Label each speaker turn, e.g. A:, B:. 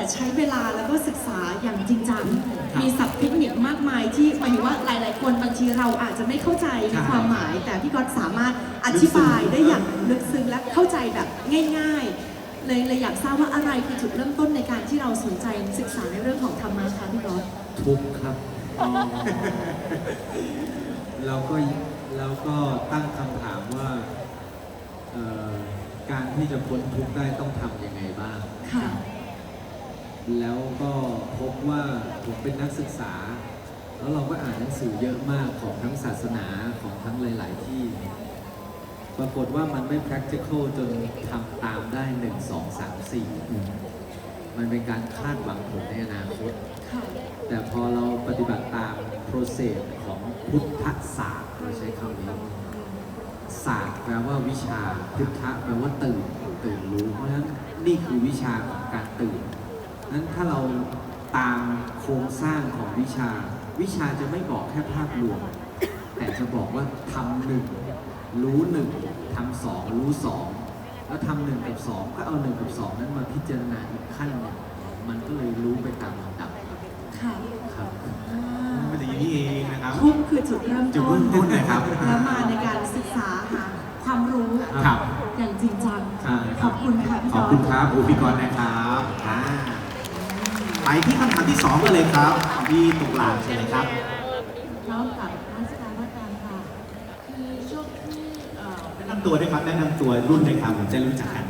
A: ใช้เวลาแล้วก็ศึกษาอย่างจริงจังมีศัพท์เทคนิคมากมายที่หมายถึงว่าหลายๆคนบางทีเราอาจจะไม่เข้าใจในความหมาย แต่พี่ก๊อตสามารถอธิบายได้อย่างลึกซึ้งและเข้าใจแบบง่ายๆเลยอยากทราบว่าอะไรคือจุดเริ่มต้นในการที่เราสนใจศึกษาในเรื่องของธรรมะคะพี่ก๊อต
B: ทุกข์ครับแล้วก็ตั้งคำถามว่าการที่จะพ้นทุกข์ได้ต้องทำยังไงบ้าง
A: ค่ะ
B: แล้วก็พบว่าผมเป็นนักศึกษาแล้วเราก็อ่านหนังสือเยอะมากของทั้งศาสนาของทั้งหลายๆที่ปรากฏว่ามันไม่ practical จนทำตามได้1 2 3 4มันเป็นการคาดหวังผลในอนาคตแต่พอเราปฏิบัติตาม process ของพุทธศาสตร์เราใช้คำนี้ศาสตร์แปลว่าวิชาพุทธะแปลว่าตื่นรู้เพราะฉะนั้นนี่คือวิชาของการตื่นนั้นถ้าเราตามโครงสร้างของวิชาจะไม่บอกแค่ภาพรวมแต่จะบอกว่าทำหนึ่งรู้หนึ่งทำสองรู้สองแล้วทำหนึ่งกับสองก็เอาหนึ่งกับสองนั้นมาพิจารณาอีกขั้นหนึ่งมันก็เลยรู้ไปตามลำดับ
A: ค่ะ
B: ครับ
C: มันจะอย่างนี้เองนะครับ
A: ทุกคือจุดเริ่มต้น
C: นะครับ
A: แล้วมาในการศึกษาหาความรู้อย่างจริงจังขอบคุณค่ะพี่
C: ขอบคุณครับพี่กรณ์นะครับไปที่คำถามที่2กันเลยครับพี่ตุลาใช่ไหมครับ
D: น้องกับนักศึกษาว่าการค่ะคือช่วงที่
C: แนะนำตัวด้วยครับแนะนำตัวรุ่นเลยครับผมจะรู้จักกัน